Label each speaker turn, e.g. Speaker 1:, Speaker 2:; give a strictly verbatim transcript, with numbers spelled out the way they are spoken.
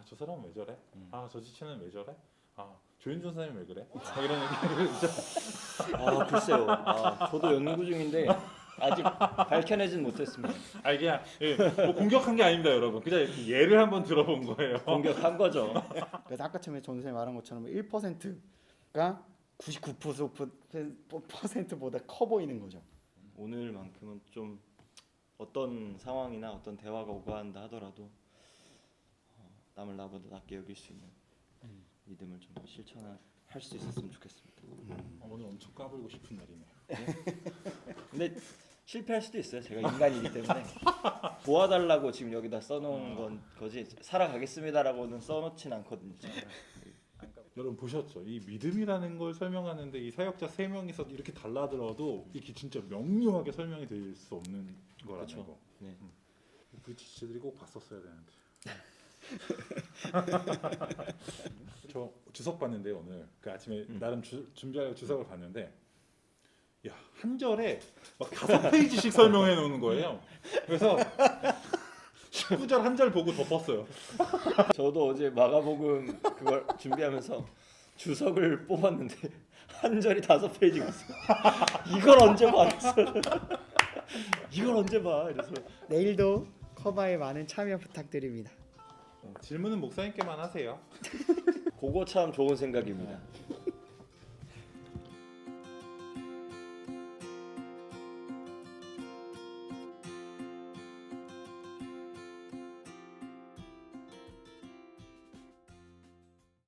Speaker 1: 저 사람은 왜 저래?
Speaker 2: 음.
Speaker 1: 아 저 지체는 왜 저래? 아 조윤준 선생님 왜 그래? 막 이런 얘기를 있죠.
Speaker 2: 아 글쎄요. 아, 저도 연구 중인데 아직 밝혀내진 못했습니다.
Speaker 1: 아 그냥 예, 뭐 공격한 게 아닙니다 여러분. 그냥 이렇게 예를 한번 들어본 거예요.
Speaker 2: 공격한 거죠.
Speaker 3: 그래서 아까 처음에 전 선생님 말한 것처럼 일 퍼센트가 구십구 퍼센트보다 커 보이는 거죠.
Speaker 2: 오늘만큼은 좀 어떤 상황이나 어떤 대화가 오가한다 하더라도 어, 남을 나보다 낫게 여길 수 있는 믿음을 좀 실천할 수 있었으면 좋겠습니다.
Speaker 1: 어, 오늘 엄청 까불고 싶은 날이네요.
Speaker 2: 근데 실패할 수도 있어요. 제가 인간이기 때문에 도와달라고 지금 여기다 써놓은 건 거지 살아가겠습니다라고는 써놓진 않거든요. 제가.
Speaker 1: 여러분 보셨죠? 이 믿음이라는 걸 설명하는데 이 사역자 세 명이서 이렇게 달라들어도 이게 진짜 명료하게 설명이 될 수 없는 거라는
Speaker 2: 그렇죠.
Speaker 1: 거.
Speaker 2: 네.
Speaker 1: 그 지체들이 꼭 봤었어야 되는데. 저 주석 봤는데 오늘 그 아침에
Speaker 2: 음.
Speaker 1: 나름 주, 준비하려고 주석을 봤는데 야 한 절에 막 다섯 페이지씩 설명해 놓는 거예요. 그래서 십구 절 한 절 보고 덮었어요.
Speaker 2: 저도 어제 마가복음 그걸 준비하면서 주석을 뽑았는데 한 절이 다섯 페이지가 있어요. 이걸 언제 봤어? 이걸 언제 봐? 이래서
Speaker 3: 내일도 커바에 많은 참여 부탁드립니다.
Speaker 1: 어, 질문은 목사님께만 하세요.
Speaker 2: 그거 참 좋은 생각입니다.